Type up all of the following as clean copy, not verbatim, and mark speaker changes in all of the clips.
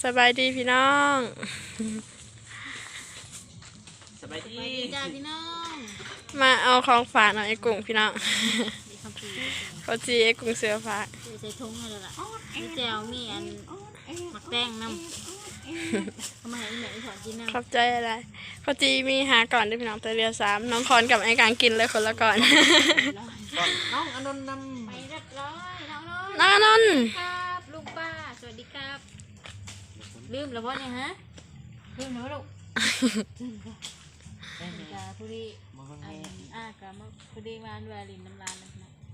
Speaker 1: สบายดีพี่น้อง
Speaker 2: สบายดี
Speaker 3: จ้าพี่น้อง
Speaker 1: มาเอาของฝากหน่อยไอ้กุ้งพี่น้องเขาจีไอ้กุ้งเสือฝาก
Speaker 3: ใส่ถุงเลยล่ะมีแจวมีอันหมักแป้งน้ำทำไมไอ้แม่ถอดกินน้ำ
Speaker 1: ขอบใจอะไรเขาจีมีหาก่อนด้วยพี่น้องแต่เรียว3น้องคอนกับไอ้กลางกินเลยคนละก่อน
Speaker 2: น้องอนนท์น
Speaker 3: ไปเรียบร้อยน้องนนท์
Speaker 1: น้านนท์
Speaker 3: ครับลุงป้าสวัสดีครับลืมแล้วพ่อเนี่ยฮะลืมแล้วลูกจ้าผู้ดีกับผู้ดีมาด้วยลินน้ำลานนะ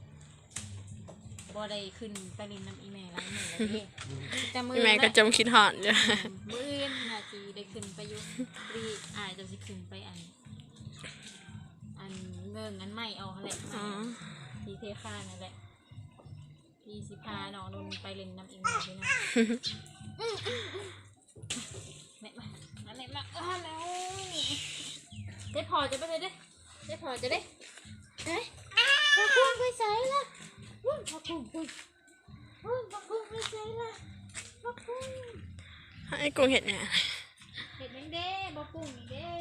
Speaker 3: บ่ได้ขึ้นไปลินน้ำอีเมลล้างมือเลยแต่มือ
Speaker 1: พี่แม่ก็จมคิดหอนอยู่
Speaker 3: มือนาทีได้ขึ้นไปยุรีจะสิขึ้นไปอันเงินนั้นไม่เอาแหละทีเทค่านั่นแหละทีสิพาน้องนนไปเล่นน้ำอีเมลด้วยนะแม่มาแล้วได้พอจะไปเลยได้พอจะได้เฮ้ยพอพุ่งไปใส่ละพอพุ่งไปใส่ละพอพุ่ง
Speaker 1: ไอ้กุ้งเห็ดเนี่ย
Speaker 3: เห็ดแมงเด้บ่พุ่งนี่เด้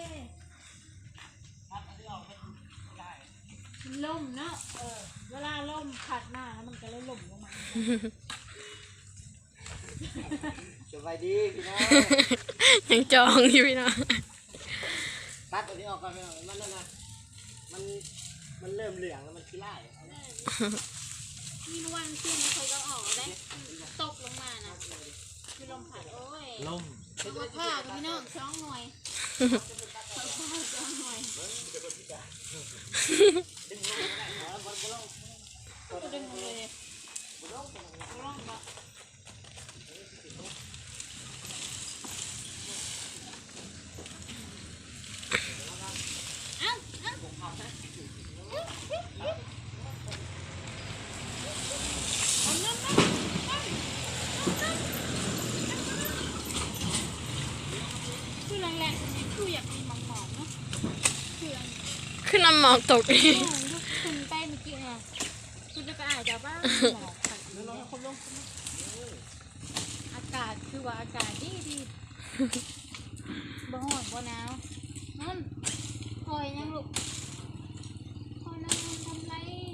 Speaker 3: ล่มเนาะเวลาล่มผัดมาแล้วมันก็เลยล่มลงมา
Speaker 2: ำสบายดีพี่น้อง
Speaker 1: ยังจองอยู่พี่น้อง
Speaker 2: ตัดตัวนี้ออกก่อนพี่น้องมันนั่นนะมันเริ่มเหลืองแล้วมันขี้ไล่
Speaker 3: มีวันขึ้นเคยก็ออกได้ตกลงมานะมีลมผัดโอ้ย
Speaker 2: ลม
Speaker 3: เอาผ้ากับพี่น้องช่องหน่วยช่องหน่วยดึงเลยร่องละคือแรงๆคืออยากมีหมองๆเนาะคือ
Speaker 1: ขึ้นน้ำหมอกตกอีก
Speaker 3: คุณไปเมื่อกี้ไงคุณจะไปอ่านจากบ้านหมอกขัดลงอากาศคือว่าอากาศดีบ่ร้อนบ่หนาวนั่นคอยยังลูกคอยนั่งทำไร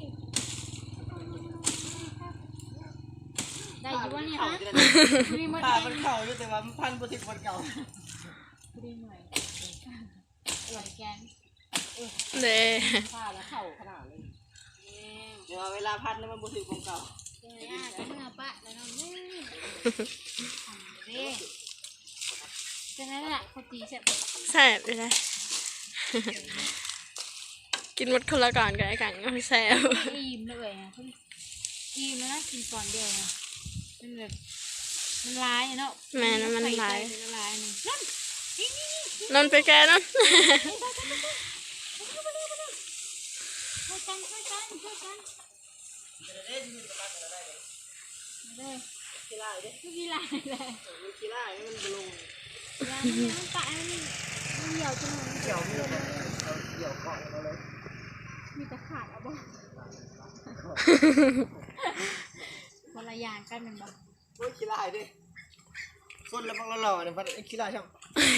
Speaker 3: ได้อยู่วะเนี่ยฮะรีโมท
Speaker 2: ผ้ามันเข่าอยู่แต่ว่ามันพันโปรติมันเก่า
Speaker 3: รีโมทไหลแกน
Speaker 1: เด้
Speaker 2: ผ้าแล้วเข่าขนาดเลยเดี๋ยวเวลาพันแล้วมันโปรติมันเก่า
Speaker 3: เจ้าก็เมื่อปะแล้วน้องนี่เด้ฉะนั้นแหละเขาตีเสร็จ
Speaker 1: แซ่บไปเลยกินหมดคนละก่อนกับไอ้กังก็แซ่บ
Speaker 3: อิ่มเลยอ่ะอิ่มแล้วนะกินก่อนเดียวนะมันแบบมันร้ายเนาะ
Speaker 1: แม่นั้นมันหลาย
Speaker 3: มันร้ายนี่นั่น
Speaker 1: นนไปแกนั่น
Speaker 3: ช่วยกันเลยขี้ลายเลยขี้ลายเลย
Speaker 2: มันขี้ไล่มันลง
Speaker 3: ยามันตายมันเหี่ยวจนมัน
Speaker 2: เกี่ยวมีเกี่ยวเกาะเราเลย
Speaker 3: มีแต่ขาดเอาบ่คนละอย่างกันมันบ่
Speaker 2: โอ้ยขี้ไล่ดิคนละบังละหล่อเนี่ยพันขี้ไล่ช่าง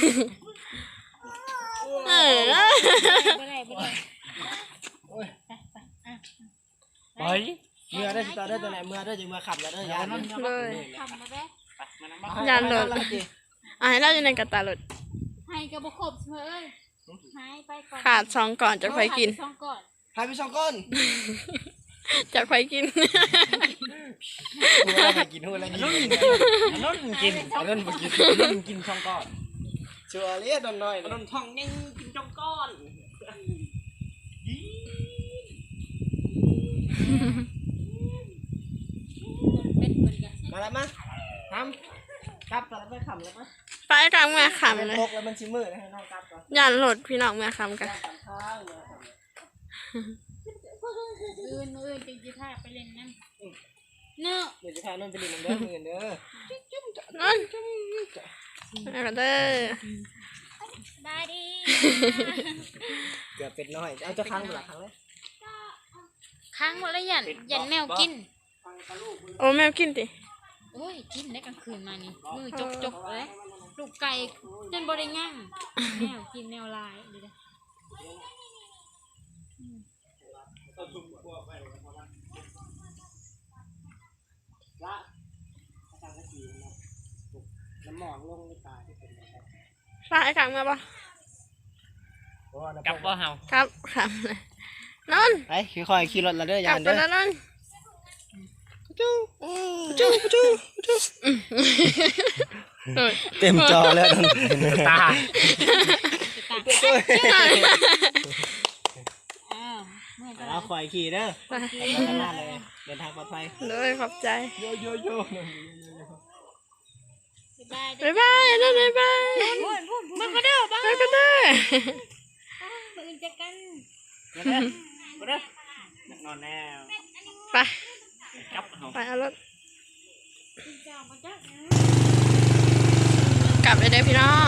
Speaker 3: บ่ได้
Speaker 2: โอ้ยไปเมื่อได้ตาได้ตัวไหนเมื่อได้จึงมาขับแล้วได้ยานเลย
Speaker 3: ทำมาได้
Speaker 1: ยานรถให้เราอยู่ในกระตาหลด
Speaker 3: ให้กระบอกครบเสมอหายไปก่อน
Speaker 1: ขาด2ก่อนจะไปกิน
Speaker 3: ช่องก่อน
Speaker 2: หายไป2 ก้อน
Speaker 1: จะไปกิน
Speaker 2: หัวอะไรกินหัวอะไรกินนุ่นกินนุ่นกินนุ่นกิน2 ก้อนชัวร์เลยดอนน้อยดอนทองยังกิน2 ก้อนมาแล้วมั้ยทำกลับแล้วไม่ขำแล้วมั้ย
Speaker 1: ไปกลางเมื่อคำเลย
Speaker 2: ตกแล้วมันชิมือให้น้องกลับก่อน
Speaker 1: ยานรถพี่น้องเมื่อคำกัน
Speaker 2: ข้างเลย
Speaker 3: อื่นจริงๆถ้าไปเล่นนั่นเนาะ
Speaker 2: เดี๋ยวจะพานุ่นไปเล่นน้ำเด้อเงินเด้อ
Speaker 1: นั่นเอากันเด้อ
Speaker 3: ได้ดี
Speaker 2: เกือบเป็ดน้อยเอาจะค้างเวลาค้างเลย
Speaker 3: ค้างหมดแล้วยันแมวกิน
Speaker 1: โอ้แมวกินดิ
Speaker 3: โอ้ยกินได้กลางคืนมานี่มือจกเลยลูกไก่จนบ่ได้ง่างแนวกินแนวลายดีเด้อ
Speaker 2: ละทางกะทิน้ำหมองลงในตาที่เป็น
Speaker 1: ฝากไอ้ขังมาปะ
Speaker 2: กับว่าเฮา
Speaker 1: ครับครับเลยนน
Speaker 2: ไปค่อยๆขี่รถละเด้อก ยา
Speaker 1: ลับ
Speaker 2: น
Speaker 1: ไป
Speaker 2: เด้อ
Speaker 1: แล้วนน
Speaker 2: จู้
Speaker 1: จูจูจู
Speaker 2: เต็มจอแล้วตา
Speaker 3: อ้าวเมื่อก็
Speaker 2: เอาค่อยขี่เด้อ
Speaker 1: ไป
Speaker 2: ข้างหน้าเลยเดินทางปลอดภัย
Speaker 1: เลยขอบใจ
Speaker 2: โยโยโย่
Speaker 3: บ๊ายบาย
Speaker 1: บ๊ายบายนนบ๊ายบาย
Speaker 3: มันก็เด้อบ้า
Speaker 1: ไปกันเด้อ
Speaker 3: ปืนจะกัน
Speaker 2: มาเด้อมาเด้อนักนอนแน่
Speaker 1: ไป
Speaker 2: กับเฮา
Speaker 1: ไปเอารถ
Speaker 3: จองมาจ้ะ
Speaker 1: กลับไปเด้อพี่น้อง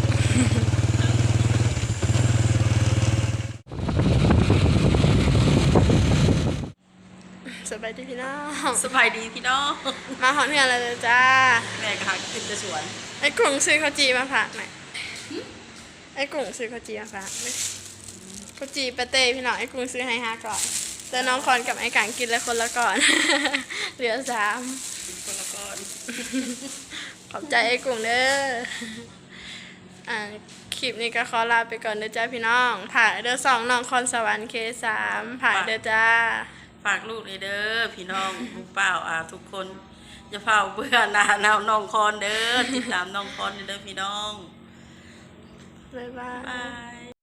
Speaker 1: สบายดีพี่น้อง
Speaker 4: สบายดีพี่น้อง
Speaker 1: มาหอนเฮือนแล้วเด้อจ้า
Speaker 4: แม่ก็หาขึ้นจะสวน
Speaker 1: ไอ้กุ้งซื้อข้าวจีมาฝากหน่อยไอ้กุ้งซื้อข้าวจีมาฝากไหมข้าวจีปาเต้พี่น้องไอ้กุ้งซื้อให้5ก่อนแต่น้องคอนกับไอ้กังกินละคนละก่อน เหลือ3
Speaker 4: กินคนละก้อน
Speaker 1: ขอบใจไอ้กุ้งเด้อคลิปนี้ก็ขอลาไปก่อนเด้อจ้าพี่น้องผ่านเด้อ2น้องคอนสวรรค์K3ผ่านเด้อจ้า
Speaker 4: ฝากลูกเลยเด้อพี่น้องลูกเปล่าทุกคนอย่าเฝ้าเบื่อหนาหนาวน้องคอนเด้อติดตามน้องคอนเด้อพี่น้อง
Speaker 1: บ๊ายบาย
Speaker 4: บาย